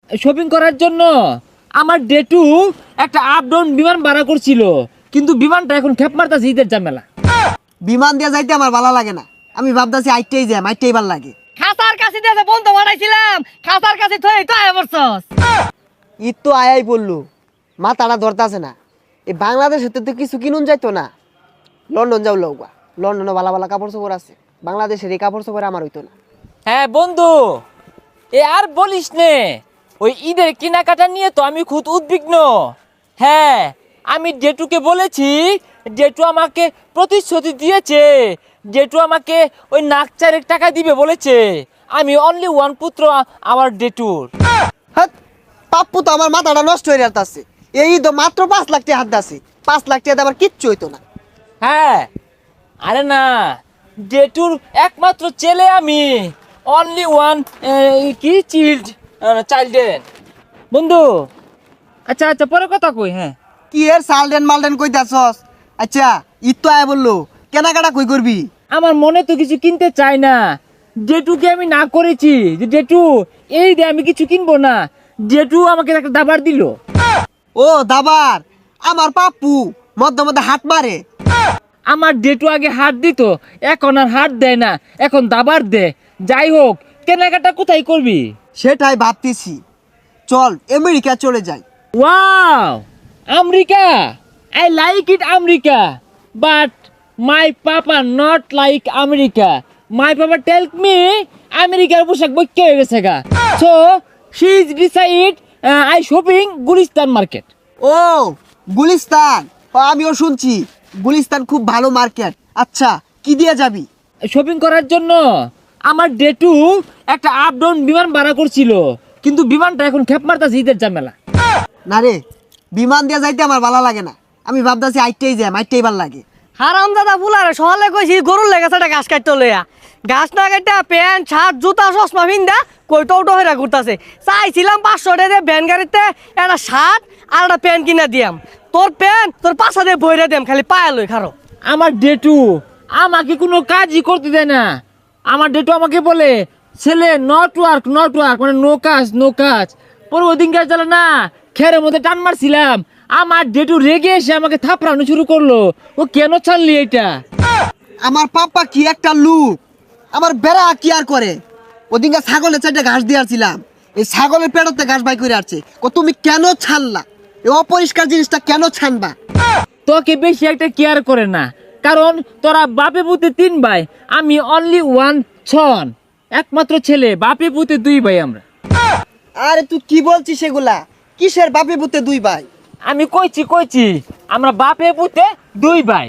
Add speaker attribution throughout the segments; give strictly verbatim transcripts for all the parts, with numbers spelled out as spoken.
Speaker 1: Shopping করার জন্য আমার ডেটু একটা আপ ডাউন বিমান ভাড়া করছিল, কিন্তু বিমানটা এখন খেপ মারতাছে ঈদের ঝামেলা।
Speaker 2: বিমান দিয়ে যাইতে আমার ভালো লাগে না, আমি ভাবতাছি আইটেই যাই, আইটেই ভালো লাগে।
Speaker 3: খাসার কাছে দিয়ে বন্ধু বানাইছিলাম, খাসার কাছে থই তো আয় বলছস।
Speaker 2: ঈদ তো আয়াই বললো, মাথাটা ধরতাছে না। এই বাংলাদেশে তো কিছু কিনুন যাইতো না, লন্ডন যাও লৌকা, লন্ডনে ভালো ভালো কাপড় চোপড় আছে, বাংলাদেশের এই কাপড় চোপড় আমার হইতো না।
Speaker 1: হ্যাঁ বন্ধু, এ আর বলিস নে, ওই ঈদের কেনাকাটা নিয়ে তো আমি খুব উদ্বিগ্ন। হ্যাঁ, আমি ডেটুকে বলেছি, ডেটু আমাকে প্রতিশ্রুতি দিয়েছে, ডেটু আমাকে ওই নাক চারেক টাকা দিবে বলেছে। আমি অনলি ওয়ান পুত্র আমার ডেটুর।
Speaker 2: হ্যাঁ, পাপ্পু তো আমার মাথাটা নষ্ট হয়ে যাচ্ছে। এই তো মাত্র পাঁচ লাখ টাকা হাত আছে, পাঁচ লাখ টাকা আমার কিচ্ছু হইতো না।
Speaker 1: হ্যাঁ, আরে না, ডেটুর একমাত্র ছেলে আমি, অনলি ওয়ান কি চিল্ড চাইল্ডেন বন্ধু। আচ্ছা আচ্ছা, পরে কথা কই। হ্যাঁ,
Speaker 2: কি এর সালডেন মালডেন কইতাছস? আচ্ছা, ঈদ তো আয় বললো, কেনাকাটা কই করবি?
Speaker 1: আমার মনে তো কিছু কিনতে চাই না, ডেটুকে আমি না করেছি যে ডেটু এই দে, আমি কিছু কিনবো না। ডেটু আমাকে একটা দাবার দিল।
Speaker 2: ও দাবার, আমার পাপ্পু মধ্যে মধ্যে হাত মারে।
Speaker 1: আমার ডেটু আগে হাত দিত, এখন আর হাত দেয় না, এখন দাবার দে। যাই হোক, কেনাকাটা কোথায় করবি?
Speaker 2: সেটাই ভাবতেছি, চল আমেরিকা চলে যাই।
Speaker 1: Wow, America, I like it America, but my papa not like America. My papa tell me আমেরিকার পোশাক বইকে হয়ে গেছে গা, so she is decide I shopping Gulistan market.
Speaker 2: ও গুলিস্তান, ও, আমিও শুনছি গুলিস্তান খুব ভালো মার্কেট। আচ্ছা, কি দিয়ে যাবি?
Speaker 1: শপিং করার জন্য আমার ডেটু একটা আপ ডাউন বিমান ভাড়া করছিল, কিন্তু বিমানটা এখন খেপ মারতাছে ঈদের ঝামেলা।
Speaker 2: না রে, বিমান দিয়ে যাইতে আমার ভালো লাগে না, আমি ভাবতাছি আইটেই যাই, আইটেই ভালো লাগে।
Speaker 3: হারাম দাদা বুলারে সহলে কইছি গরুর লেগেছে একটা ঘাস কাটতে লইয়া, ঘাস না কাটটা প্যান্ট শার্ট জুতা চশমা ভিন্দা কইটো উটো হইরা ঘুরতাছে। চাইছিলাম পাঁচশো টাকা দিয়ে ভ্যান গাড়িতে একটা শার্ট আর একটা প্যান্ট কিনা দিয়াম, তোর প্যান্ট তোর পাশা দিয়ে বইরা দিয়াম, খালি পায়া লই খারো।
Speaker 1: আমার ডেটু আমাকে কোনো কাজই করতে দেয় না। আমার ডেটু আমাকে বলে, ছেলে নট ওয়ার্ক নট ওয়ার্ক, মানে নো কাজ নো কাজ। পরে ওই দিন কাজ চলে না, খেরের মধ্যে টান মারছিলাম, আমার ডেটু রেগে এসে আমাকে থাপড়ানো শুরু করলো। ও কেন ছাড়লি এটা?
Speaker 2: আমার পাপ্পা কি একটা লুক, আমার বেড়া কি আর করে। ওদিনকে ছাগলের চারটে ঘাস দিয়ে আসছিলাম, এই ছাগলের পেটতে ঘাস বাই করে আসছে। ও তুমি কেন ছানলা, এই অপরিষ্কার জিনিসটা কেন ছানবা?
Speaker 1: তোকে বেশি একটা কেয়ার করে না, কারণ তোরা বাপে পুতে তিন ভাই, আমি অনলি ওয়ান ছন, একমাত্র ছেলে, বাপে পুতে দুই ভাই আমরা।
Speaker 2: আরে তুই কি বলছিস সেগুলা? কিসের বাপে পুতে দুই ভাই?
Speaker 1: আমি কইছি কইছি আমরা বাপে পুতে দুই ভাই।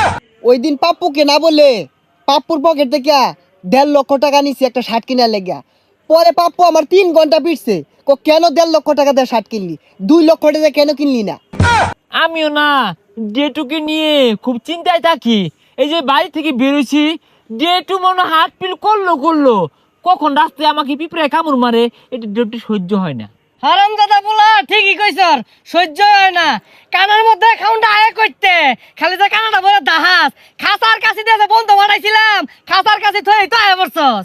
Speaker 2: ওই দিন পাপ্পুকে না বলে পাপ্পুর পকেট থেকে দেড় লক্ষ টাকা নিছি একটা শার্ট কিনার লেগা। পরে পাপ্পু আমার তিন ঘন্টা পিটছে, কো কেন দেড় লক্ষ টাকা দিয়ে শার্ট কিনলি, দুই লক্ষ টাকা কেন কিনলি না?
Speaker 1: আমিও না ডেটুকে নিয়ে খুব চিন্তায় থাকি। এই যে বাড়ি থেকে বেরোছি, ডেটু মনে হয় হাত পিল করলো করলো, কখন রাস্তায় আমাকে পিঁপড়ে কামড় মারে, এটা ডেটু সহ্য হয় না।
Speaker 3: হারাম দাদা বুলা ঠিকই কইছর, সহ্য হয় না। কানের মধ্যে খাউন্ডা আয় করতে, খালি তো কানাডা বলে দাহাস। খাসার কাছে দিয়ে বন্ধু বানাইছিলাম, খাসার কাছে থই তো আয় বলছস।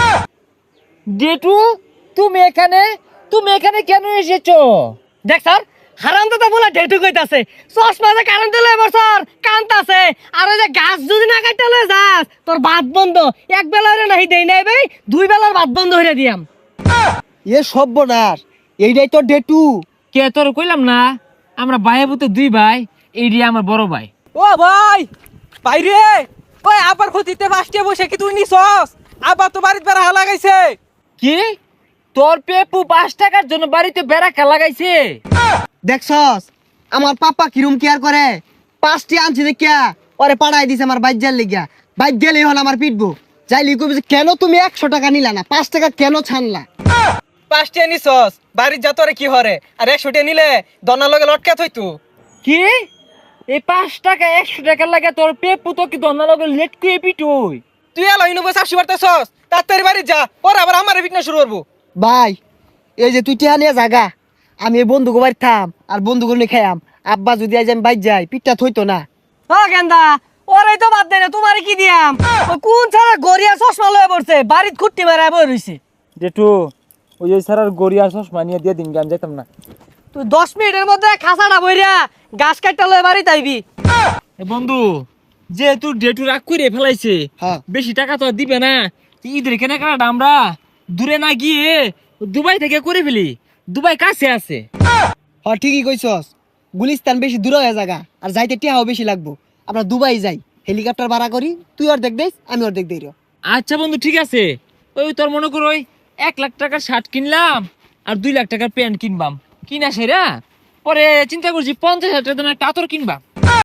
Speaker 1: ডেটু, তুমি এখানে তুমি এখানে কেন এসেছো?
Speaker 3: দেখ স্যার, হারাম দাদা বলে ডেটু কইতাছে, চশমা যে কারেন্ট লই বছর কান্তাছে, আর ওই যে গাছ যদি না কাটতে লই যাস তোর ভাত বন্ধ, এক বেলা হইলে নাহি দেই নাই ভাই, দুই বেলার ভাত বন্ধ হইরা দিয়াম।
Speaker 2: এ সর্বনাশ, এইটাই তো ডেটু।
Speaker 1: কে তোর কইলাম না আমরা ভাই পুতে দুই ভাই, এই রে আমার বড় ভাই।
Speaker 4: ও ভাই, বাইরে ওই আবার ক্ষতিতে পাঁচটা বসে কি তুই নিছস? আবার তো বাড়িতে বেড়া লাগাইছে।
Speaker 1: কি তোর পেপু পাঁচ টাকার জন্য বাড়িতে বেড়াকা লাগাইছে?
Speaker 2: দেখছস আমার পাপা কিরম কেয়ার করে, পাঁচটি আনছি দেখিয়া ওরে পাড়াই দিছে আমার বাইজার লেগিয়া। বাইক গেলেই হল আমার পিটবো, যাইলি কবি যে, কেন তুমি একশো টাকা নিলা না, পাঁচ টাকা কেন ছানলা?
Speaker 4: পাঁচটা নিছস, বাড়ির যা তোরে কি হরে, আর একশোটা নিলে দনার লগে লটকা থইতু।
Speaker 1: কি এই পাঁচ টাকা একশো টাকা লাগে তোর পেপু তো কি দন্না লগে লেট কুয়ে পিটুই?
Speaker 4: তুই এলো ইনুবো চাষি বাড়তেছস, তাড়াতাড়ি বাড়ি যা, পরে আবার আমার বিঘ্ন শুরু করবো।
Speaker 2: ভাই এই যে তুই টিহা নিয়ে জাগা, আমি এই বন্ধুকে বাড়ি থাম আর বন্ধুকে নিয়ে খাইয়াম। আব্বা যদি আজ আমি বাইর যাই, পিঠটা থইতো না।
Speaker 3: ও গেন্দা, ওরে তো বাদ দেয় না, তোমারে কি দিয়াম? ও কোন ছাড়া গড়িয়া চশমা লয়ে পড়ছে, বাড়িত খুঁটি মারা বই রইছে।
Speaker 1: জেঠু, ওই যে স্যার আর গড়িয়া চশমা নিয়ে দিয়ে দিন আমি যেতাম না।
Speaker 3: তুই দশ মিনিটের মধ্যে খাসাটা বইরা গাছ কাটতে লয়ে বাড়ি তাইবি।
Speaker 1: এ বন্ধু যেহেতু ডেটু রাগ করে ফেলাইছে,
Speaker 2: হ্যাঁ।
Speaker 1: বেশি টাকা তো আর দিবে না, ঈদের কেনাকাটা আমরা দূরে না গিয়ে দুবাই থেকে করে ফেলি, দুবাই কাছে আছে।
Speaker 2: হ্যাঁ ঠিকই কইছস, গুলিস্তান বেশি দূর হয়ে জায়গা আর যাইতে টিয়াও বেশি লাগবো। আমরা দুবাই যাই, হেলিকপ্টার ভাড়া করি, তুই অর্ধেক দেস আমি অর্ধেক দেই রে।
Speaker 1: আচ্ছা বন্ধু ঠিক আছে, ওই তোর মনে করো ওই এক লাখ টাকার শার্ট কিনলাম আর দুই লাখ টাকার প্যান্ট কিনবাম, কিনা সেরা পরে চিন্তা করছি পঞ্চাশ হাজার টাকা দামের একটা আতর কিনবাম।